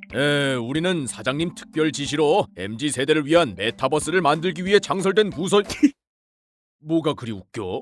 우리는 사장님 특별 지시로 MZ세대를 위한 메타버스를 만들기 위해 창설된 부서. 뭐가 그리 웃겨?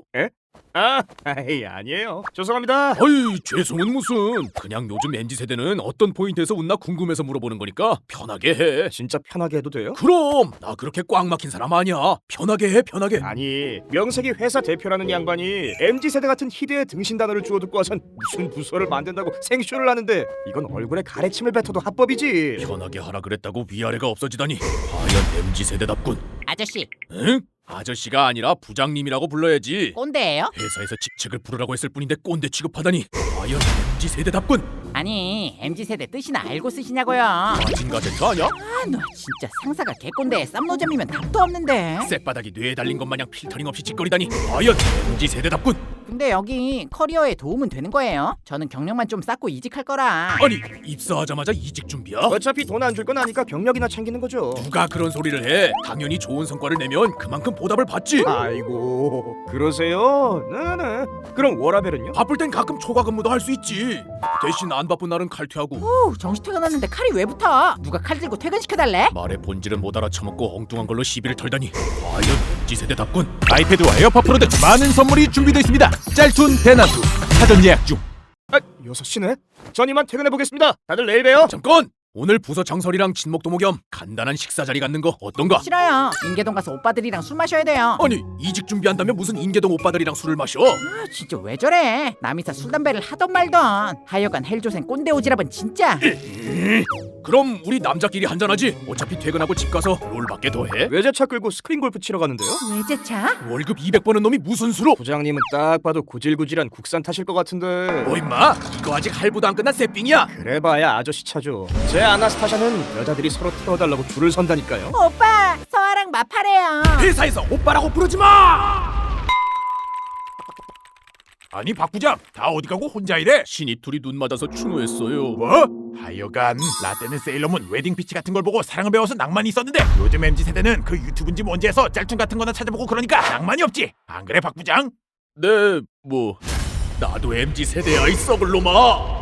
아니에요. 죄송합니다. 아이, 죄송은 무슨. 그냥 요즘 MZ세대는 어떤 포인트에서 웃나 궁금해서 물어보는 거니까 편하게 해. 진짜 편하게 해도 돼요? 그럼 나 그렇게 꽉 막힌 사람 아니야. 편하게 해, 편하게. 아니, 명색이 회사 대표라는 양반이 MZ세대 같은 희대의 등신 단어를 주워 듣고 와선 무슨 부서를 만든다고 생쇼를 하는데 이건 얼굴에 가래침을 뱉어도 합법이지. 편하게 하라 그랬다고 위아래가 없어지다니. 과연 MZ세대답군. 아저씨, 응? 아저씨가 아니라 부장님이라고 불러야지. 꼰대예요? 회사에서 직책을 부르라고 했을 뿐인데 꼰대 취급하다니. 과연 MZ세대답군. 아니, MZ세대 뜻이나 알고 쓰시냐고요? 마진 가제트 아냐? 아, 너 진짜 상사가 개꼰대에 쌈노점이면 답도 없는데. 쌔바닥이 뇌에 달린 것 마냥 필터링 없이 짓거리다니. 과연 MZ세대답군. 근데 여기 커리어에 도움은 되는 거예요? 저는 경력만 좀 쌓고 이직할 거라. 아니, 입사하자마자 이직 준비야? 어차피 돈 안 줄 건 아니까 경력이나 챙기는 거죠. 누가 그런 소리를 해? 당연히 좋은 성과를 내면 그만큼 보답을 받지. 아이고, 그러세요? 네네. 그럼 워라벨은요? 바쁠 땐 가끔 초과 근무도 할 수 있지. 대신 안 바쁜 날은 칼퇴하고. 오, 정시 퇴근하는데 칼이 왜 붙어? 누가 칼 들고 퇴근시켜달래? 말의 본질은 못 알아쳐먹고 엉뚱한 걸로 시비를 털다니. 과연 MZ세대답군. 아이패드와 에어팟 프로 등 많은 선물이 준비되어 있습니다. 짤툰 대나투 사전 예약 중. 6시네? 전 이만 퇴근해 보겠습니다. 다들 내일 봬요. 잠깐! 오늘 부서 창설이랑 친목도모 겸 간단한 식사 자리 갖는 거 어떤가? 싫어요. 인계동 가서 오빠들이랑 술 마셔야 돼요. 아니, 이직 준비한다면 무슨 인계동 오빠들이랑 술을 마셔? 아, 진짜 왜 저래? 남이사 술 담배를 하던 말던. 하여간 헬조생 꼰대 오지랖은 진짜. 그럼 우리 남자끼리 한잔하지. 어차피 퇴근하고 집 가서 롤밖에 더 해. 외제차 끌고 스크린 골프 치러 가는데요. 외제차? 월급 200번은 놈이 무슨 수로? 부장님은 딱 봐도 구질구질한 국산 타실 것 같은데. 뭐 임마? 이거 아직 할부도 안 끝난 새삥이야. 그래봐야 아저씨 차죠. 제 아나스타샤는 여자들이 서로 태워달라고 줄을 선다니까요. 오빠, 서아랑 마파래요. 회사에서 오빠라고 부르지 마. 아니 박 부장 다 어디 가고 혼자 이래? 신이 둘이 눈 맞아서 추노했어요. 뭐? 하여간 라떼는 세일러문 웨딩 피치 같은 걸 보고 사랑을 배워서 낭만이 있었는데 요즘 MZ 세대는 그 유튜브인지 뭔지 해서 짤툰 같은 거나 찾아보고 그러니까 낭만이 없지. 안 그래 박 부장? 네, 뭐 나도 MZ세대야 이 썩을 놈아.